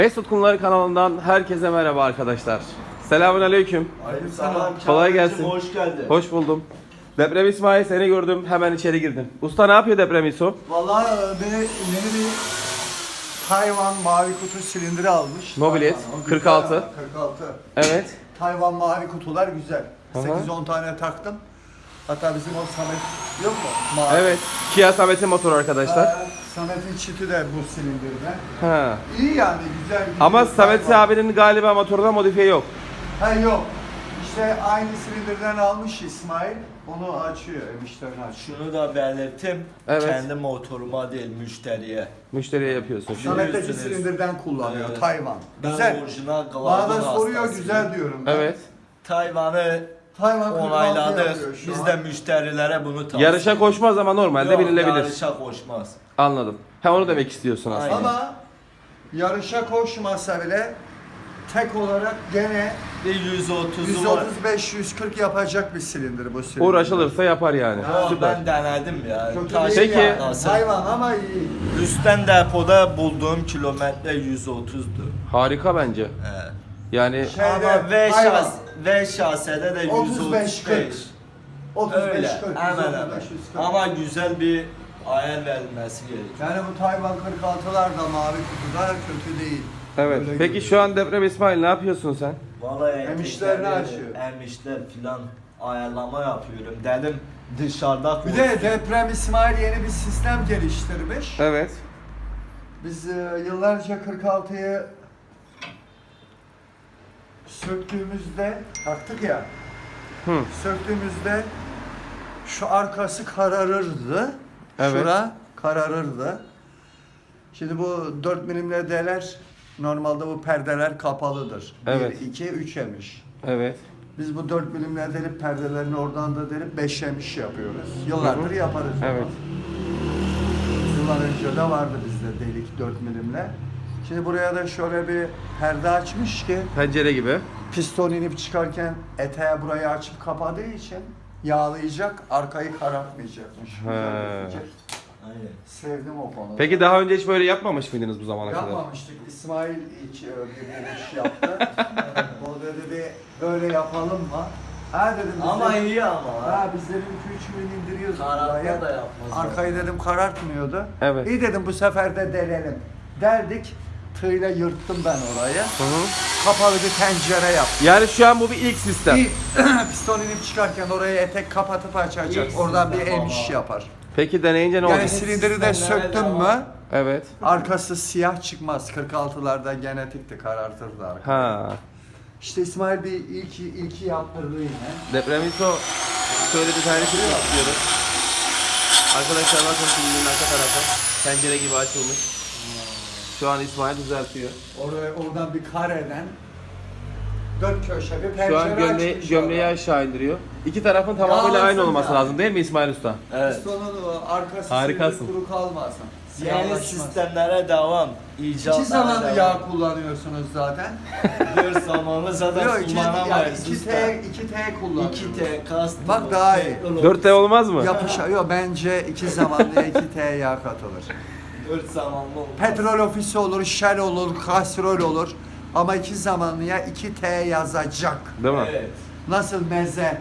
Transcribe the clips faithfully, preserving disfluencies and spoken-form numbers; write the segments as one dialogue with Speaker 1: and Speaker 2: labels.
Speaker 1: Mesut Kumları kanalından herkese merhaba arkadaşlar. Selamünaleyküm.
Speaker 2: Aleykümselam.
Speaker 1: Kolay gelsin.
Speaker 2: Hoş geldin.
Speaker 1: Hoş buldum. Deprem İsmail, seni gördüm, hemen içeri girdim. Usta ne yapıyor Deprem İso?
Speaker 2: Vallahi beni yeni bir Tayvan mavi kutu silindiri almış.
Speaker 1: Mobilet,
Speaker 2: Tayvan, o
Speaker 1: kırk altı.
Speaker 2: güzel ama, kırk altı.
Speaker 1: Evet.
Speaker 2: Tayvan mavi kutular güzel.
Speaker 1: Aha.
Speaker 2: sekiz on tane taktım. Hatta bizim o Samet yok mu? Mavi.
Speaker 1: Evet. Kia Samet'in motoru arkadaşlar.
Speaker 2: Ee, Samet'in çiti de bu silindirde.
Speaker 1: Ha.
Speaker 2: İyi yani güzel.
Speaker 1: Ama
Speaker 2: güzel
Speaker 1: Samet
Speaker 2: Tayvan.
Speaker 1: abinin galiba motorunda modifiye yok.
Speaker 2: Ha yok. İşte aynı silindirden almış İsmail. Onu açıyor, emişlerini açıyor.
Speaker 3: Şunu da belirttim.
Speaker 1: Evet.
Speaker 3: Kendi motoruma değil müşteriye.
Speaker 1: Müşteriye yapıyorsun. şimdi.
Speaker 2: Samet'teki
Speaker 3: Biliyorsunuz.
Speaker 2: silindirden kullanıyor
Speaker 3: Evet.
Speaker 2: Tayvan.
Speaker 3: Ben
Speaker 2: Güzel.
Speaker 3: orijinal
Speaker 2: Bana
Speaker 3: Gladon
Speaker 2: da soruyor
Speaker 3: hastasıyım.
Speaker 2: güzel diyorum ben.
Speaker 1: Evet.
Speaker 3: Tayvan'ı
Speaker 2: Tayvan kırk altı
Speaker 3: onayladık.
Speaker 2: yapıyor şu
Speaker 3: Biz
Speaker 2: an.
Speaker 3: de müşterilere bunu tavsiye
Speaker 1: Yarışa koşmaz ama normalde
Speaker 3: Yok,
Speaker 1: binilebilir.
Speaker 3: Yarışa koşmaz.
Speaker 1: Anladım. Ha onu demek istiyorsun aslında.
Speaker 3: Aynen.
Speaker 2: Ama yarışa koşmasa bile tek olarak gene
Speaker 3: Bir yüz otuzu
Speaker 2: yüz
Speaker 3: var.
Speaker 2: otuz beş yüz kırk yapacak bir silindir bu silindir.
Speaker 1: Uğraşılırsa yapar yani.
Speaker 3: Ama
Speaker 1: Süper.
Speaker 3: ben denedim ya.
Speaker 2: Kötü
Speaker 3: Taş-
Speaker 2: değil
Speaker 1: Peki-
Speaker 2: yani.
Speaker 3: Nasıl?
Speaker 2: Hayvan ama iyi.
Speaker 3: Üstten depoda bulduğum kilometre yüz otuzdu.
Speaker 1: Harika bence.
Speaker 3: Evet.
Speaker 1: Yani
Speaker 2: Şeyde,
Speaker 3: Ama V
Speaker 2: hayvan.
Speaker 3: şas V şasede de yüz
Speaker 2: otuz
Speaker 3: otuz
Speaker 2: beş
Speaker 3: beş.
Speaker 2: kırk. otuz beş
Speaker 3: Öyle.
Speaker 2: kırk.
Speaker 3: Hemen
Speaker 2: yüz otuz
Speaker 3: hemen.
Speaker 2: beş, yüz kırk.
Speaker 3: Ama güzel bir ayar verilmesi gerekiyor.
Speaker 2: Yani bu Tayvan kırk altılar da mavi kutuda kötü değil.
Speaker 1: evet.
Speaker 2: Öyle
Speaker 1: Peki
Speaker 2: görünüyor.
Speaker 1: şu an Deprem İsmail ne yapıyorsun sen?
Speaker 3: Vallahi
Speaker 2: Emişlerini
Speaker 3: etekleri,
Speaker 2: açıyor.
Speaker 3: Emişler filan ayarlama yapıyorum. Dedim dışarıda
Speaker 2: Bir de Deprem İsmail yeni bir sistem geliştirmiş.
Speaker 1: Evet.
Speaker 2: Biz e, yıllarca kırk altıyı söktüğümüzde taktık ya.
Speaker 1: Hı.
Speaker 2: Söktüğümüzde şu arkası kararırdı.
Speaker 1: Evet.
Speaker 2: Şura kararırdı. Şimdi bu dört milim L E D'ler normalde bu perdeler kapalıdır.
Speaker 1: Evet.
Speaker 2: bir, iki, üç emiş.
Speaker 1: Evet.
Speaker 2: Biz bu dört milim L E D'li perdelerini oradan da delip beş emiş yapıyoruz. Yıllardır
Speaker 1: Hı hı.
Speaker 2: yaparız. onu.
Speaker 1: Evet.
Speaker 2: Yıllar önce de vardı bizde delik dört milimle. Şimdi buraya da şöyle bir perde açmış ki
Speaker 1: Pencere gibi.
Speaker 2: piston inip çıkarken eteğe burayı açıp kapadığı için yağlayacak, arkayı karartmayacakmış. Güzel bir
Speaker 1: He.
Speaker 2: fikir.
Speaker 3: Aynen.
Speaker 2: Sevdim o konuda.
Speaker 1: Peki daha önce hiç böyle yapmamış mıydınız bu zamana kadar?
Speaker 2: Yapmamıştık. İsmail ilk e, bir buluş yaptı. O dedi bir böyle yapalım mı? Ha dedim biz
Speaker 3: Ama
Speaker 2: dedim,
Speaker 3: iyi ama.
Speaker 2: ha biz dedim iki üç milim indiriyoruz
Speaker 3: Karartma
Speaker 2: buraya.
Speaker 3: da yapmaz.
Speaker 2: Arkayı dedim karartmıyordu.
Speaker 1: Evet.
Speaker 2: İyi dedim bu sefer de delelim. Deldik. Tığla yırttım ben orayı.
Speaker 1: Hı hı.
Speaker 2: Kapalı bir tencere yaptım.
Speaker 1: Yani şu an bu bir ilk sistem.
Speaker 2: Bir piston inip çıkarken orayı etek kapatıp açacak.
Speaker 3: İlk
Speaker 2: Oradan bir
Speaker 3: sistem
Speaker 2: emiş
Speaker 3: ama.
Speaker 2: yapar.
Speaker 1: Peki deneyince ne
Speaker 2: Yani
Speaker 1: olacak?
Speaker 2: silindiri de
Speaker 3: sistemlere
Speaker 2: söktün
Speaker 3: devam.
Speaker 2: mü
Speaker 1: Evet.
Speaker 2: arkası siyah çıkmaz. kırk altılarda genetikti, karartırdı arka.
Speaker 1: Ha.
Speaker 2: İşte İsmail bir ilki ilki yaptırdı yine.
Speaker 1: Deprem İso şöyle bir tane klip yapıyoruz. Arkadaşlar bakın filmin arka tarafı pencere gibi açılmış. Şu an İsmail düzeltiyor.
Speaker 2: Oraya oradan bir kareden dört köşe bir pencere
Speaker 1: Şu an gömleği,
Speaker 2: açmış
Speaker 1: gömleği
Speaker 2: orada.
Speaker 1: aşağı indiriyor. İki tarafın tamamıyla
Speaker 2: Yağlasın
Speaker 1: aynı olması
Speaker 2: yani.
Speaker 1: lazım değil mi İsmail Usta?
Speaker 3: Evet.
Speaker 2: Pistonun o arkası
Speaker 1: Harikasın.
Speaker 2: kuru kalmasın.
Speaker 3: Yeni
Speaker 2: Siyahlaşmaz.
Speaker 3: sistemlere devam. İcatlara
Speaker 2: İki zamanlı
Speaker 3: devam.
Speaker 2: yağ kullanıyorsunuz zaten.
Speaker 3: Bir zamanı zaten
Speaker 2: Yok iki, yani
Speaker 3: kullanamayız.
Speaker 2: iki T, iki T kullanıyorsunuz.
Speaker 3: iki T kast.
Speaker 2: Bak daha iyi.
Speaker 1: dört T olmaz mı?
Speaker 2: Yapışa, yok bence iki zamanlıya iki T yağ katılır.
Speaker 3: dört zamanlı olmaz.
Speaker 2: Petrol ofisi olur, Shell olur, kastrol olur. Ama iki zamanlıya iki T yazacak.
Speaker 1: Değil mi?
Speaker 3: Evet.
Speaker 2: Nasıl meze?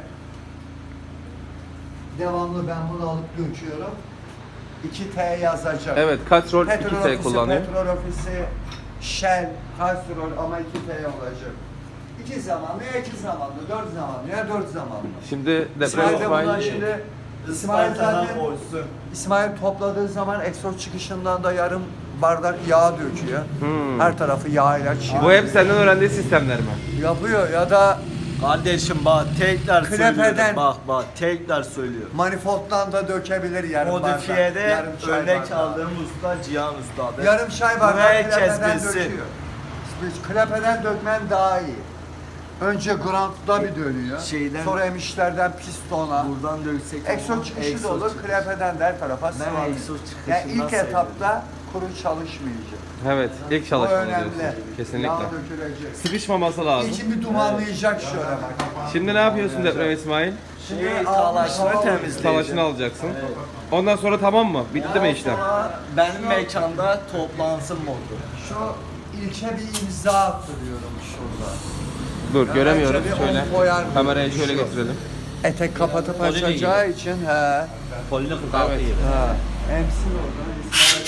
Speaker 2: Devamlı ben bunu alıp göçüyorum. iki T yazacak.
Speaker 1: Evet, kaç rol
Speaker 2: Petrol
Speaker 1: iki T
Speaker 2: ofisi,
Speaker 1: kullanıyor.
Speaker 2: petrol ofisi, Shell, kastrol ama iki T olacak. İki zamanlıya iki zamanlı, dört zamanlıya dört zamanlı.
Speaker 1: Şimdi Deprem
Speaker 2: İsmail de bundan
Speaker 1: İsmail
Speaker 2: şimdi İsmail
Speaker 3: Isparta'dan
Speaker 2: zaten
Speaker 3: koysun.
Speaker 2: İsmail topladığı zaman egzoz çıkışından da yarım bardak yağ döküyor.
Speaker 1: Hmm.
Speaker 2: Her tarafı yağ ile çiğ.
Speaker 1: bu hep senden öğrendiği sistemler mi?
Speaker 2: yapıyor ya da
Speaker 3: Kardeşim bak tekrar
Speaker 2: Klepeden-
Speaker 3: söylüyorum. Bak bak tekrar söylüyorum.
Speaker 2: manifolddan da dökebilir yarım bardak.
Speaker 3: Modifiyede
Speaker 2: yarım çay
Speaker 3: örnek
Speaker 2: bardağı.
Speaker 3: aldığım usta Cihan Usta'dır.
Speaker 2: Yarım çay bardağı
Speaker 3: Buraya
Speaker 2: klepeden
Speaker 3: kesmesi.
Speaker 2: döküyor. Biz klepeden dökmen daha iyi. Önce grantda bir dönüyor.
Speaker 3: Şeyden-
Speaker 2: Sonra emişlerden pistona.
Speaker 3: Buradan döksek.
Speaker 2: Egzoz çıkışı da
Speaker 3: egzoz
Speaker 2: olur,
Speaker 3: çıkışı.
Speaker 2: klepeden de her tarafa
Speaker 3: Ben
Speaker 2: sıvazıyor.
Speaker 3: egzoz çıkışından
Speaker 2: Yani ilk
Speaker 3: seviyorum.
Speaker 2: etapta kuru çalışmayacak.
Speaker 1: Evet, ilk
Speaker 2: Bu
Speaker 1: çalışma
Speaker 2: önemli.
Speaker 1: diyorsun. Kesinlikle.
Speaker 2: Yağ dökülecek.
Speaker 1: Sıkışmaması lazım.
Speaker 2: İçin bir dumanlayacak şöyle bak.
Speaker 1: Şimdi ne yapıyorsun Deprem İsmail?
Speaker 2: Şimdi
Speaker 3: Şey,
Speaker 2: almış,
Speaker 3: talaşını
Speaker 2: hava-
Speaker 3: temizleyeceğim.
Speaker 1: Talaşını alacaksın. Ondan sonra tamam mı? Bitti mi işlem?
Speaker 3: Sonra benim mekanda toplansın modu.
Speaker 2: Şu ilke bir imza attırıyorum şurada.
Speaker 1: Dur
Speaker 2: Ya
Speaker 1: göremiyorum.
Speaker 2: bence bir
Speaker 1: Şöyle
Speaker 2: on koyar mı?
Speaker 1: kamerayı şöyle
Speaker 2: Şu.
Speaker 1: getirelim.
Speaker 2: Etek kapatıp
Speaker 4: Polini
Speaker 2: açacağı için he.
Speaker 4: Polini kırk altı
Speaker 1: Evet.
Speaker 4: gibi.
Speaker 2: Ha. Emsin orada. İsmail.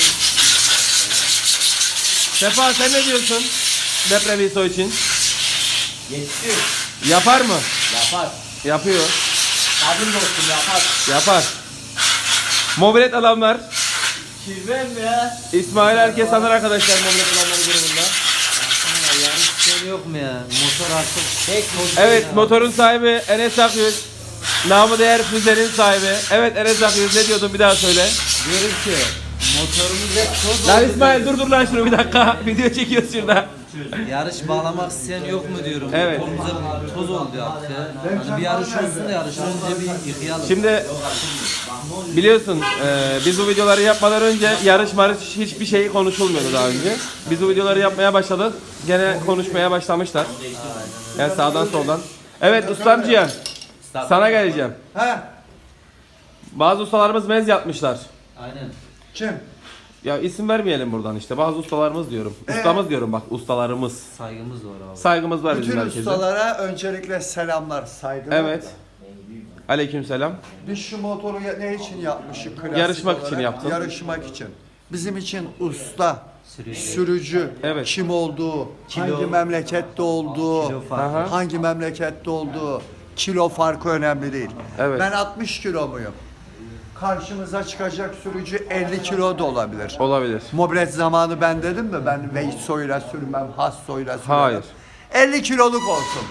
Speaker 1: Sefa sen ne diyorsun? Deprem İso için.
Speaker 4: Yetişiyor.
Speaker 1: Yapar mı?
Speaker 4: Yapar.
Speaker 1: Yapıyor.
Speaker 4: Kadın dostum yapar.
Speaker 1: Yapar. Mobilet alanlar.
Speaker 4: Kirven mi ya?
Speaker 1: İsmail herkes tanır arkadaşlar mobilet alanları grubunda.
Speaker 4: Aslında yarış şey yok mu ya? Motor artık tek motor.
Speaker 1: Evet
Speaker 4: ya.
Speaker 1: motorun sahibi Enes Akyüz. Namı değer füzenin sahibi. Evet Enes Akyüz ne diyordun bir daha söyle.
Speaker 4: Diyorum ki motorumuz hep toz
Speaker 1: Lan
Speaker 4: oldu
Speaker 1: İsmail
Speaker 4: diyorum.
Speaker 1: dur dur lan şunu bir dakika. Video çekiyoruz şurada.
Speaker 4: Yarış bağlamak isteyen yok mu diyorum.
Speaker 1: Evet.
Speaker 4: Motorumuz hep toz oldu artık ya. Hani bir yarış olsun da yarıştan önce bir yıkayalım.
Speaker 1: Şimdi biliyorsun e, biz bu videoları yapmadan önce yarış marış hiçbir şey konuşulmuyordu daha önce. Biz bu videoları yapmaya başladık. Gene konuşmaya başlamışlar. Yani sağdan soldan. Evet ustam Cihan. Sana geleceğim.
Speaker 2: He.
Speaker 1: Bazı ustalarımız mez yapmışlar.
Speaker 4: Aynen.
Speaker 2: Kim?
Speaker 1: Ya isim vermeyelim buradan işte. Bazı ustalarımız diyorum. Ustamız diyorum bak ustalarımız.
Speaker 4: Saygımız var abi.
Speaker 1: Saygımız var bizim
Speaker 2: Bütün
Speaker 1: herkese.
Speaker 2: ustalara öncelikle selamlar, saygılar.
Speaker 1: Evet. Aleykümselam.
Speaker 2: Biz şu motoru ya- ne için yapmışız? Klasik
Speaker 1: Yarışmak
Speaker 2: olarak?
Speaker 1: için yaptın.
Speaker 2: Yarışmak için. Bizim için usta,
Speaker 4: Sürücü.
Speaker 2: sürücü,
Speaker 1: Evet.
Speaker 2: kim olduğu,
Speaker 4: Kilo-
Speaker 2: hangi memlekette olduğu,
Speaker 4: Kilo farkı.
Speaker 1: Aha.
Speaker 2: hangi memlekette olduğu, kilo farkı önemli değil.
Speaker 1: Evet.
Speaker 2: Ben altmış kilo muyum? Karşımıza çıkacak sürücü elli kilo da olabilir.
Speaker 1: Olabilir.
Speaker 2: Mobilet zamanı ben dedim mi? Ben Veyso'yla sürmem, Hasso'yla sürmem.
Speaker 1: Hayır.
Speaker 2: elli kiloluk olsun.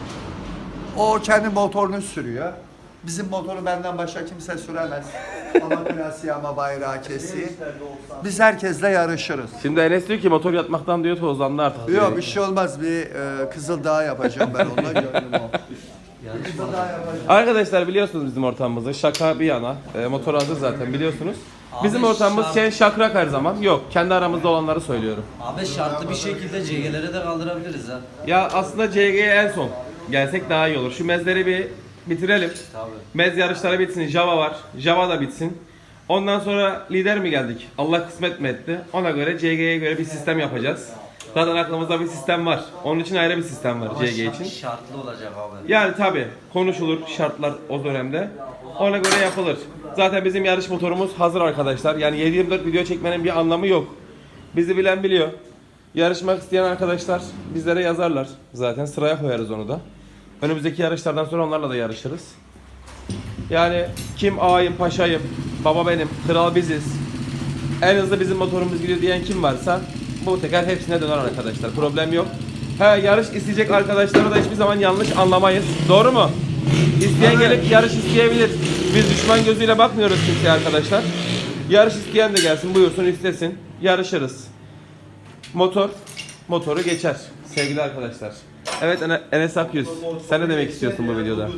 Speaker 2: O kendi motorunu sürüyor. Bizim motoru benden başka kimse süremez. Ama klasiği ama bayrağı kesiği. Biz herkesle yarışırız.
Speaker 1: Şimdi Enes diyor ki motor yatmaktan diyor tozlandı artık. diyor.
Speaker 2: Yok bir şey olmaz. Bir e, Kızıldağ yapacağım ben onunla gönlüm o.
Speaker 4: Yarış
Speaker 2: Kızıldağ yapacağım.
Speaker 1: Arkadaşlar biliyorsunuz bizim ortamımızı. Şaka bir yana. E, motor hazır zaten biliyorsunuz.
Speaker 4: Abi
Speaker 1: Bizim ortamımız
Speaker 4: şart-
Speaker 1: şey şakrak her zaman. Yok. Kendi aramızda olanları söylüyorum.
Speaker 4: Abi şartlı bir şekilde C G'lere de kaldırabiliriz ha.
Speaker 1: Ya aslında C G'ye en son gelsek daha iyi olur. Şu mezleri bir bitirelim.
Speaker 4: Tabii.
Speaker 1: Mez yarışları bitsin. Java var. Java da bitsin. Ondan sonra lider mi geldik? Allah kısmet mi etti? Ona göre C G'ye göre bir sistem yapacağız. Zaten aklımızda bir sistem var. Onun için ayrı bir sistem var
Speaker 4: Ama
Speaker 1: C G
Speaker 4: şart-
Speaker 1: için.
Speaker 4: şartlı olacak abi.
Speaker 1: Yani tabi konuşulur şartlar o dönemde. Ona göre yapılır. Zaten bizim yarış motorumuz hazır arkadaşlar. Yani yedi yirmi dört video çekmenin bir anlamı yok. Bizi bilen biliyor. Yarışmak isteyen arkadaşlar bizlere yazarlar. Zaten sıraya koyarız onu da. Önümüzdeki yarışlardan sonra onlarla da yarışırız. Yani kim ağayım, paşayım, baba benim, kral biziz. En hızlı bizim motorumuz gidiyor diyen kim varsa bu teker hepsine döner arkadaşlar. Problem yok. He yarış isteyecek arkadaşları da hiçbir zaman yanlış anlamayız. Doğru mu? İsteyen gelip yarış isteyebilir. Biz düşman gözüyle bakmıyoruz kimseye arkadaşlar. Yarış isteyen de gelsin, buyursun istesin. Yarışırız. Motor, motoru geçer sevgili arkadaşlar. Evet Ene- Enes Akyüz, sen ne demek istiyorsun bu videoda?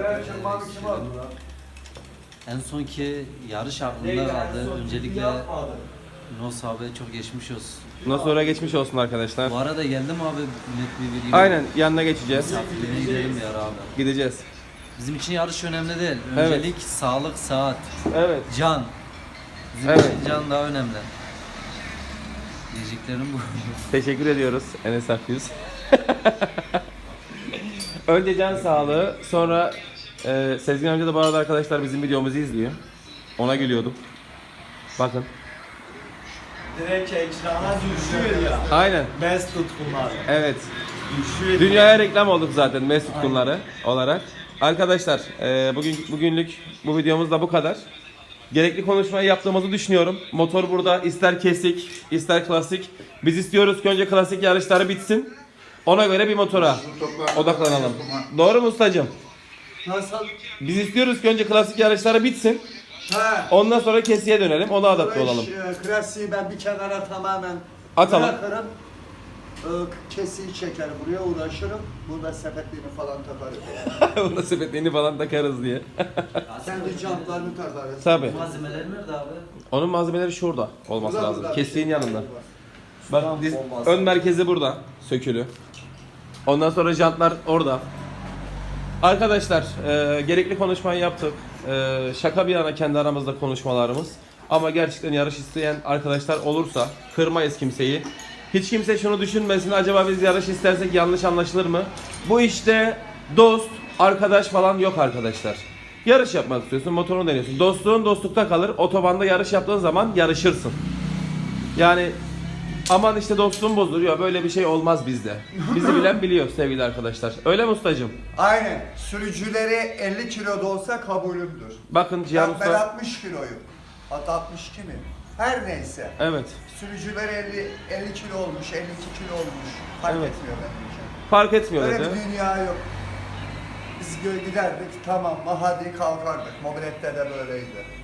Speaker 4: En sonki yarış aklımda kaldı. Öncelikle Nos abi çok geçmiş olsun.
Speaker 1: Bundan sonra geçmiş olsun arkadaşlar.
Speaker 4: Bu arada geldim abi net bir video.
Speaker 1: Aynen yanına geçeceğiz.
Speaker 4: Misafirliğine gidelim bir ara abi.
Speaker 1: Gideceğiz.
Speaker 4: Bizim için yarış önemli değil.
Speaker 1: Evet.
Speaker 4: Öncelik sağlık, saat,
Speaker 1: Evet.
Speaker 4: can. Bizim
Speaker 1: Evet.
Speaker 4: için can daha önemli. Diyeceklerim bu.
Speaker 1: Teşekkür ediyoruz Enes Akyüz. Önce can sağlığı, sonra e, Sezgin amca da bu arada arkadaşlar bizim videomuzu izliyor. Ona gülüyordum. Bakın.
Speaker 3: Direkt ekrana düşüyor ya.
Speaker 1: Aynen.
Speaker 3: Mes tutkunlar.
Speaker 1: Evet.
Speaker 3: Düşüyor.
Speaker 1: Dünyaya reklam olduk zaten Mesut Kunları olarak. Arkadaşlar e, bugün bugünlük bu videomuz da bu kadar. Gerekli konuşmayı yaptığımızı düşünüyorum. Motor burada ister kesik, ister klasik. Biz istiyoruz ki önce klasik yarışları bitsin. Ona göre bir motora odaklanalım. Doğru mu ustacığım?
Speaker 2: Nasıl?
Speaker 1: Biz istiyoruz ki önce klasik yarışları bitsin.
Speaker 2: He.
Speaker 1: Ondan sonra kesiye dönelim. Ona adapte olalım.
Speaker 2: E, klasiği ben bir kenara tamamen
Speaker 1: Atalım.
Speaker 2: bırakırım. E, kesiği çeker buraya uğraşırım. Burada sepetliğini falan takarım.
Speaker 1: Buna sepetliğini falan takarız diye.
Speaker 2: Sen de jantlarını takarız.
Speaker 1: Tabii.
Speaker 4: Malzemeler nerede abi?
Speaker 1: Onun malzemeleri şurada olması
Speaker 2: Burada,
Speaker 1: lazım.
Speaker 2: burada.
Speaker 1: Kesiğin yanında. Bak diz- ön merkezi burada. Sökülü. Ondan sonra jantlar orada. Arkadaşlar e, gerekli konuşmayı yaptık. E, şaka bir yana kendi aramızda konuşmalarımız. Ama gerçekten yarış isteyen arkadaşlar olursa kırmayız kimseyi. Hiç kimse şunu düşünmesin, acaba biz yarış istersek yanlış anlaşılır mı? Bu işte dost, arkadaş falan yok arkadaşlar. Yarış yapmak istiyorsun, motorunu deniyorsun. Dostluğun dostlukta kalır. Otobanda yarış yaptığın zaman yarışırsın. Yani aman işte dostluğum bozuluyor, böyle bir şey olmaz bizde. Bizi bilen biliyor sevgili arkadaşlar. Öyle mi ustacığım?
Speaker 2: Aynen. Sürücüleri elli kilo da olsa kabulümdür.
Speaker 1: Bakın Cihan
Speaker 2: Ben, ben
Speaker 1: Usta.
Speaker 2: altmış kiloyum. Hatta altmış iki mi? Her neyse.
Speaker 1: Evet.
Speaker 2: Sürücüler elli, elli kilo olmuş, elli iki kilo olmuş. Fark
Speaker 1: Evet.
Speaker 2: etmiyor benim için.
Speaker 1: Fark etmiyor
Speaker 2: Öyle
Speaker 1: dedi.
Speaker 2: bir dünya yok. Biz gö- giderdik, tamam mı, hadi kalkardık. Mobilette de böyleydi.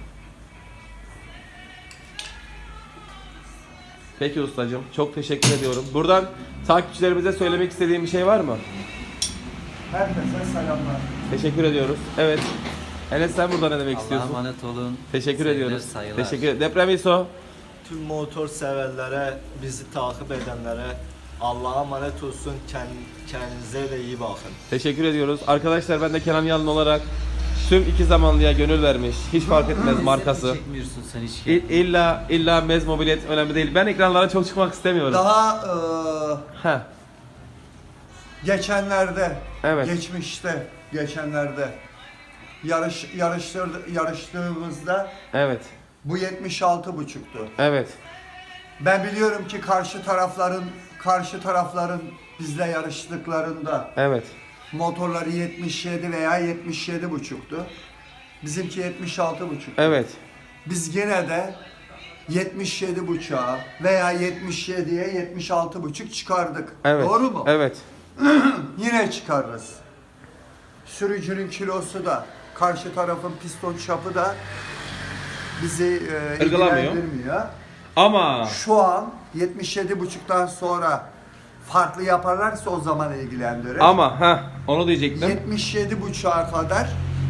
Speaker 1: Peki ustacığım, çok teşekkür ediyorum. Buradan takipçilerimize söylemek istediğim bir şey var mı?
Speaker 2: Herkese selamlar.
Speaker 1: Teşekkür ediyoruz. Evet. Enes, sen burada ne demek
Speaker 4: Allah'a
Speaker 1: istiyorsun?
Speaker 4: emanet olun.
Speaker 1: Teşekkür
Speaker 4: Sevgiler,
Speaker 1: ediyoruz.
Speaker 4: saygılar.
Speaker 1: Teşekkür ederim. Deprem İso.
Speaker 3: Tüm motor severlere, bizi takip edenlere Allah'a emanet olsun. Kend- Kendinize de iyi bakın.
Speaker 1: Teşekkür ediyoruz. Arkadaşlar, ben de Kenan Yalın olarak tüm iki zamanlıya gönül vermiş. Hiç fark etmez markası.
Speaker 4: Çekmiyorsun sen hiç.
Speaker 1: İ- İlla illa mez mobilet önemli değil. Ben ekranlara çok çıkmak istemiyorum.
Speaker 2: Daha eee,
Speaker 1: Heh.
Speaker 2: geçenlerde,
Speaker 1: Evet.
Speaker 2: geçmişte, geçenlerde yarış yarıştır, yarıştığımızda
Speaker 1: Evet.
Speaker 2: bu yetmiş altı buçuktu.
Speaker 1: Evet.
Speaker 2: Ben biliyorum ki karşı tarafların karşı tarafların bizle yarıştıklarında
Speaker 1: Evet.
Speaker 2: motorları yetmiş yedi veya yetmiş yedi buçuktu. Bizimki yetmiş altı buçuk.
Speaker 1: Evet.
Speaker 2: Biz gene de yetmiş yedi buçuğa veya yetmiş yediye yetmiş altı buçuk çıkardık.
Speaker 1: Evet.
Speaker 2: Doğru mu?
Speaker 1: Evet.
Speaker 2: Yine çıkarırız. Sürücünün kilosu da, karşı tarafın piston çapı da bizi e,
Speaker 1: Irgılamıyor.
Speaker 2: ilgilendirmiyor.
Speaker 1: Ama
Speaker 2: Şu an yetmiş yedi buçuktan sonra farklı yaparlarsa o zaman ilgilendirir.
Speaker 1: ama ha onu diyecektim.
Speaker 2: yetmiş yedi buçuğa kadar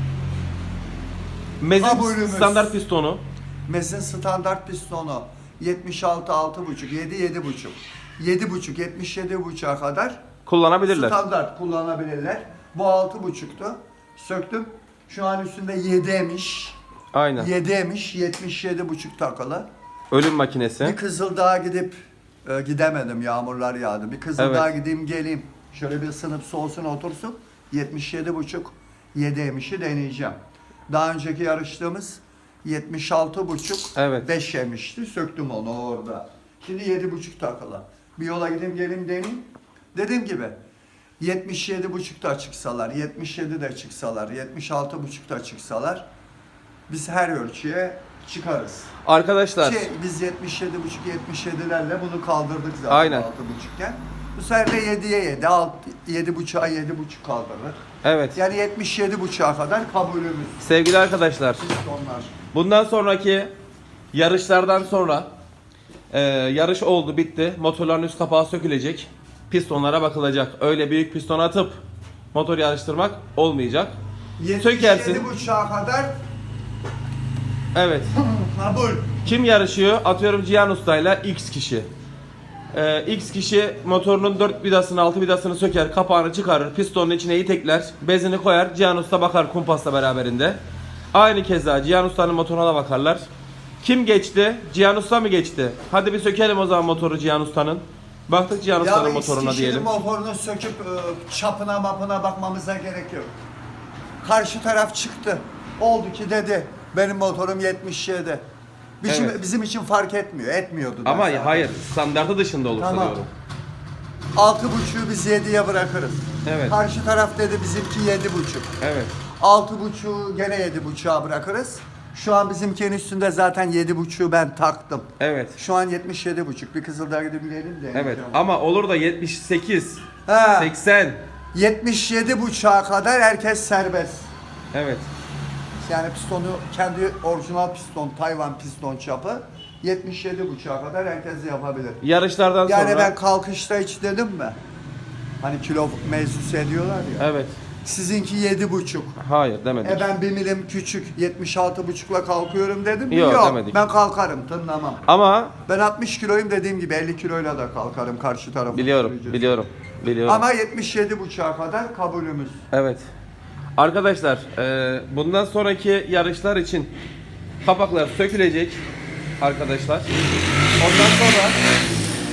Speaker 1: Mezin
Speaker 2: kabulümüz.
Speaker 1: standart pistonu.
Speaker 2: Mez'in standart pistonu yetmiş altı altı buçuk, yedi yedi buçuk, yedi buçuk, yetmiş yedi buçuğa kadar
Speaker 1: Kullanabilirler.
Speaker 2: standart kullanabilirler. Bu altı buçuktu. Söktüm. Şu an üstünde yedi'ymiş.
Speaker 1: Aynen.
Speaker 2: yedi'ymiş, yetmiş yedi buçuk takılı.
Speaker 1: Ölüm
Speaker 2: Bir
Speaker 1: makinesi.
Speaker 2: Kızıldağ'a gidip e, gidemedim, yağmurlar yağdı. Bir Kızıldağ'a
Speaker 1: Evet.
Speaker 2: gideyim geleyim. Şöyle bir ısınıp soğusun otursun. yetmiş yedi buçuk, yedi'ymişi deneyeceğim. Daha önceki yarıştığımız yetmiş altı buçuk,
Speaker 1: Evet.
Speaker 2: beş yemişti. Söktüm onu orada. Şimdi yedi buçuk takılı. Bir yola gideyim geleyim deneyeyim. Dediğim gibi yetmiş yedi buçukta çıksalar, yetmiş yedi de çıksalar, yetmiş altı buçukta çıksalar biz her ölçüye çıkarız.
Speaker 1: Arkadaşlar.
Speaker 2: Ki biz yetmiş yedi buçuk yetmiş yedilerle bunu kaldırdık zaten
Speaker 1: Aynen.
Speaker 2: altı buçukken. Bu sefer de yediye yedi, yedi buçuğa yedi buçuk kaldırır.
Speaker 1: Evet.
Speaker 2: Yani yetmiş yedi buçuğa kadar kabulümüz.
Speaker 1: Sevgili arkadaşlar.
Speaker 2: Pistonlar.
Speaker 1: Bundan sonraki yarışlardan sonra e, yarış oldu, bitti. Motorların üst kapağı sökülecek. Pistonlara bakılacak. Öyle büyük piston atıp motor yarıştırmak olmayacak.
Speaker 2: yetmiş
Speaker 1: Sökersin.
Speaker 2: yedi buçuğa kadar
Speaker 1: Evet.
Speaker 2: kabul.
Speaker 1: Kim yarışıyor? Atıyorum Cihan Usta'yla X kişi. Ee, X kişi motorunun dört vidasını, altı vidasını söker, kapağını çıkarır, pistonun içine itekler, bezini koyar, Cihan Usta bakar kumpasla beraberinde. Aynı keza Cihan Usta'nın motoruna da bakarlar. Kim geçti? Cihan Usta mı geçti? Hadi bir sökelim o zaman motoru Cihan Usta'nın. Baktık Cihan Usta'nın
Speaker 2: Ya
Speaker 1: motoruna
Speaker 2: X kişinin
Speaker 1: diyelim.
Speaker 2: motorunu söküp e, çapına mapına bakmamıza gerek yok. Karşı taraf çıktı. Oldu ki dedi benim motorum yetmiş yedi. Bizim,
Speaker 1: Evet.
Speaker 2: bizim için fark etmiyor. Etmiyordu da
Speaker 1: Ama
Speaker 2: zaten.
Speaker 1: hayır, standartı dışında olursa
Speaker 2: Tamam.
Speaker 1: diyorum.
Speaker 2: Altı buçuğu biz yediye bırakırız.
Speaker 1: Evet.
Speaker 2: Karşı taraf dedi bizimki yedi buçuk.
Speaker 1: Evet.
Speaker 2: Altı buçuğu gene yedi buçuğa bırakırız. Şu an bizimkinin üstünde zaten yedi buçuğu ben taktım.
Speaker 1: Evet.
Speaker 2: Şu an yetmiş yedi buçuk. Bir Kızıldağ'a gidip gelelim de.
Speaker 1: Evet. Ama olur da yetmiş sekiz,
Speaker 2: Ha,
Speaker 1: seksen.
Speaker 2: yetmiş yedi buçuğa kadar herkes serbest.
Speaker 1: Evet.
Speaker 2: Yani pistonu kendi orijinal piston, Tayvan piston çapı yetmiş yedi buçuğa kadar herkes yapabilir.
Speaker 1: Yarışlardan
Speaker 2: Yani
Speaker 1: sonra.
Speaker 2: ben kalkışta hiç dedim mi? Hani kilo mevzusu ediyorlar ya.
Speaker 1: Evet.
Speaker 2: Sizinki yedi buçuk.
Speaker 1: Hayır demedik.
Speaker 2: E ben bir milim küçük yetmiş altı buçukla kalkıyorum dedim mi?
Speaker 1: Yok,
Speaker 2: Yok.
Speaker 1: demedik.
Speaker 2: Ben kalkarım, tınlamam.
Speaker 1: Ama
Speaker 2: Ben altmış kiloyum dediğim gibi elli kiloyla da kalkarım karşı tarafı.
Speaker 1: biliyorum,
Speaker 2: süreceğiz.
Speaker 1: biliyorum, biliyorum.
Speaker 2: Ama yetmiş yedi buçuğa kadar kabulümüz.
Speaker 1: Evet. Arkadaşlar, e, bundan sonraki yarışlar için kapaklar sökülecek arkadaşlar. Ondan sonra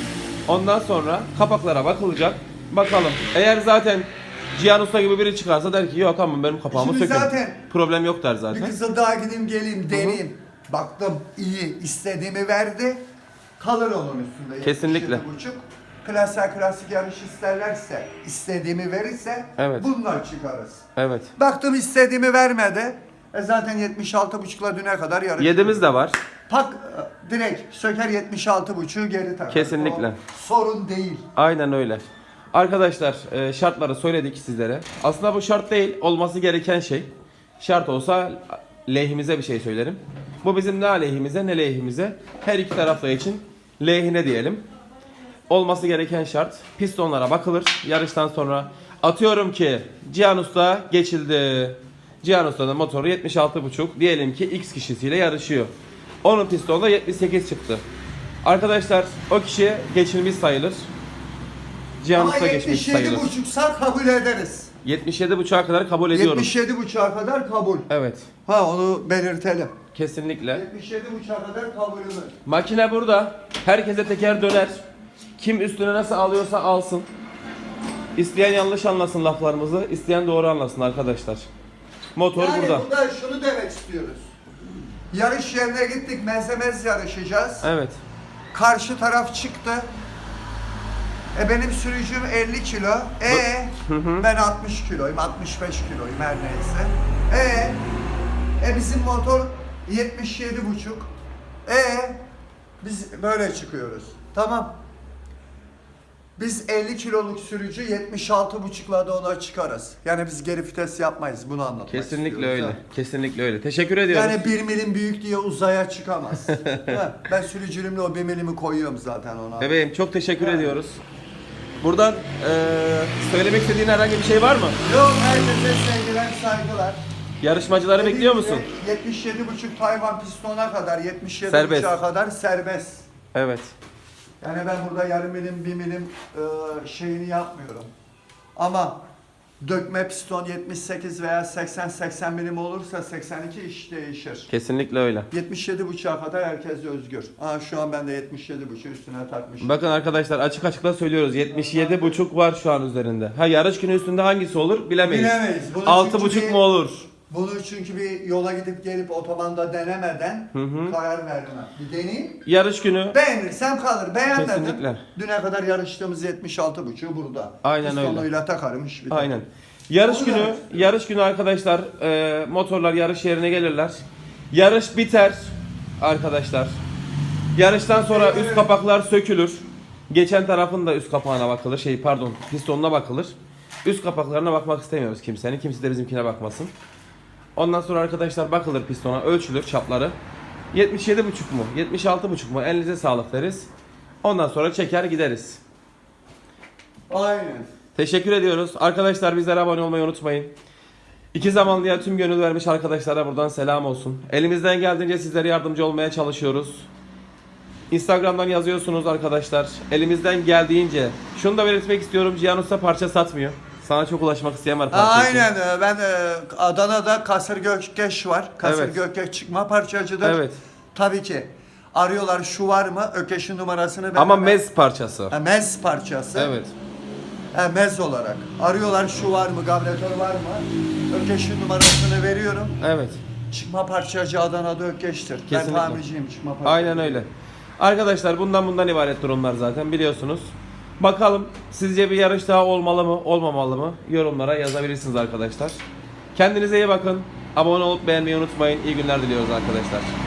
Speaker 1: Ondan sonra kapaklara bakılacak. Bakalım. Eğer zaten Cihan Usta gibi biri çıkarsa der ki yok tamam benim kapağımı
Speaker 2: Şimdi
Speaker 1: sökün.
Speaker 2: zaten
Speaker 1: Problem yok der
Speaker 2: Bir
Speaker 1: zaten.
Speaker 2: Kızıldağ'a gideyim geleyim deneyim. Baktım iyi istediğimi verdi. Kalır onun üstünde.
Speaker 1: Kesinlikle.
Speaker 2: yetmiş yedi buçuk. Klasik klasik yarış isterlerse, istediğimi verirse
Speaker 1: Evet.
Speaker 2: bununla çıkarız.
Speaker 1: Evet.
Speaker 2: Baktım istediğimi vermedi. E zaten yetmiş altı buçukla düne kadar yarış.
Speaker 1: Yedimiz de var.
Speaker 2: Pak e, direkt söker yetmiş altı buçuğu geri takar.
Speaker 1: Kesinlikle.
Speaker 2: O sorun değil.
Speaker 1: Aynen öyle. Arkadaşlar e, şartları söyledik sizlere. Aslında bu şart değil, olması gereken şey. Şart olsa lehimize bir şey söylerim. Bu bizim ne aleyhimize ne lehimize. Her iki tarafta için lehine diyelim. Olması gereken şart. Pistonlara bakılır. Yarıştan sonra atıyorum ki Cihan Usta geçildi. Cihan Usta'nın motoru yetmiş altı buçuk. Diyelim ki X kişisiyle yarışıyor. Onun pistonda yetmiş sekiz çıktı. Arkadaşlar o kişi geçilmiş sayılır. Cihan
Speaker 2: Ama
Speaker 1: Usta geçmiş
Speaker 2: yetmiş yedi
Speaker 1: sayılır.
Speaker 2: buçuksa kabul ederiz.
Speaker 1: yetmiş yedi buçuğa kadar kabul ediyorum.
Speaker 2: yetmiş yedi buçuğa kadar kabul.
Speaker 1: Evet.
Speaker 2: Ha onu belirtelim.
Speaker 1: Kesinlikle.
Speaker 2: yetmiş yedi buçuğa kadar kabul edilir.
Speaker 1: Makine burada. Herkese teker döner. Kim üstüne nasıl alıyorsa alsın. İsteyen yanlış anlasın laflarımızı, isteyen doğru anlasın arkadaşlar. Motor
Speaker 2: Yani
Speaker 1: burada.
Speaker 2: burada şunu demek istiyoruz. Yarış yerine gittik, mezemez yarışacağız.
Speaker 1: Evet.
Speaker 2: Karşı taraf çıktı. E benim sürücüm elli kilo. E ben altmış kiloyum, altmış beş kiloyum her neyse. E e bizim motor yetmiş yedi buçuk. E biz böyle çıkıyoruz. Tamam. Biz elli kiloluk sürücü yetmiş altı buçukla da ona çıkarız. Yani biz geri vites yapmayız. Bunu anlatmak
Speaker 1: Kesinlikle
Speaker 2: istiyoruz,
Speaker 1: öyle.
Speaker 2: ha.
Speaker 1: Kesinlikle öyle. Teşekkür ediyoruz.
Speaker 2: Yani bir milim büyük diye uzaya çıkamaz. Ha, ben sürücülüğümle o bir milimi koyuyorum zaten ona.
Speaker 1: Bebeğim çok teşekkür
Speaker 2: Yani.
Speaker 1: ediyoruz. Buradan eee, söylemek istediğin herhangi bir şey var mı?
Speaker 2: Yok, herkese sevgiler, saygılar.
Speaker 1: Yarışmacıları bekliyor musun?
Speaker 2: yetmiş yedi buçuk Tayvan pistona kadar, yetmiş yedi
Speaker 1: Serbest.
Speaker 2: buçuğa kadar serbest.
Speaker 1: Evet.
Speaker 2: Yani ben burada yarım milim, bir milim e, şeyini yapmıyorum. Ama dökme piston yetmiş sekiz veya seksen seksen milim olursa seksen iki iş değişir.
Speaker 1: Kesinlikle öyle.
Speaker 2: yetmiş yedi buçuğa kadar herkes özgür. Aa, şu an ben de yetmiş yedi buçuk üstüne takmışım.
Speaker 1: Bakın arkadaşlar açık açıkla söylüyoruz. yetmiş yedi buçuk var şu an üzerinde. Ha yarış günü üstünde hangisi olur bilemeyiz.
Speaker 2: Bilemeyiz. Bunu
Speaker 1: altı
Speaker 2: çünkü
Speaker 1: buçuk
Speaker 2: bir-
Speaker 1: mu olur?
Speaker 2: Bunu çünkü bir yola gidip gelip otobanda denemeden
Speaker 1: Hı hı.
Speaker 2: karar vermem. Bir deneyeyim.
Speaker 1: Yarış günü
Speaker 2: Beğenirsem kalır. Beğenmedim.
Speaker 1: Kesinlikle.
Speaker 2: Düne kadar yarıştığımız yetmiş altı buçuğu burada.
Speaker 1: Aynen öyle.
Speaker 2: Pistonuyla takarım iş biter.
Speaker 1: aynen. Yarış
Speaker 2: Onu
Speaker 1: günü
Speaker 2: demek
Speaker 1: yarış günü arkadaşlar e, motorlar yarış yerine gelirler. Yarış biter arkadaşlar. Yarıştan sonra üst kapaklar sökülür. Geçen tarafın da üst kapağına bakılır. Şey pardon, pistonuna bakılır. Üst kapaklarına bakmak istemiyoruz kimsenin. Kimse de bizimkine bakmasın. Ondan sonra arkadaşlar bakılır pistona, ölçülür çapları. yetmiş yedi buçuk mu? yetmiş altı buçuk mu? Elinize sağlık deriz. Ondan sonra çeker gideriz.
Speaker 2: Aynen.
Speaker 1: Teşekkür ediyoruz. Arkadaşlar bizlere abone olmayı unutmayın. İki zamanlıya tüm gönül vermiş arkadaşlara buradan selam olsun. Elimizden geldiğince sizlere yardımcı olmaya çalışıyoruz. Instagram'dan yazıyorsunuz arkadaşlar. Elimizden geldiğince. Şunu da belirtmek istiyorum. Cihan Usta parça satmıyor. Sana çok ulaşmak isteyen var parça için.
Speaker 2: Aynen. e, Ben e, Adana'da Kasır Gökgeç var. Kasır
Speaker 1: Evet.
Speaker 2: Gökgeç çıkma parçacıdır.
Speaker 1: Evet.
Speaker 2: Tabii ki. Arıyorlar şu var mı? Ökeş'in numarasını ben
Speaker 1: Ama
Speaker 2: hemen-
Speaker 1: mez parçası.
Speaker 2: Ha, mez parçası.
Speaker 1: Evet.
Speaker 2: Ha, mez olarak. Arıyorlar şu var mı? Gabretör var mı? Ökeş'in numarasını veriyorum.
Speaker 1: Evet.
Speaker 2: Çıkma parçacı Adana'da Ökeş'tir. Ben
Speaker 1: Kesinlikle.
Speaker 2: tamirciyim çıkma parçacı.
Speaker 1: Aynen öyle. Arkadaşlar bundan bundan ibaret durumlar zaten biliyorsunuz. Bakalım sizce bir yarış daha olmalı mı olmamalı mı? Yorumlara yazabilirsiniz arkadaşlar. Kendinize iyi bakın. Abone olup beğenmeyi unutmayın. İyi günler diliyoruz arkadaşlar.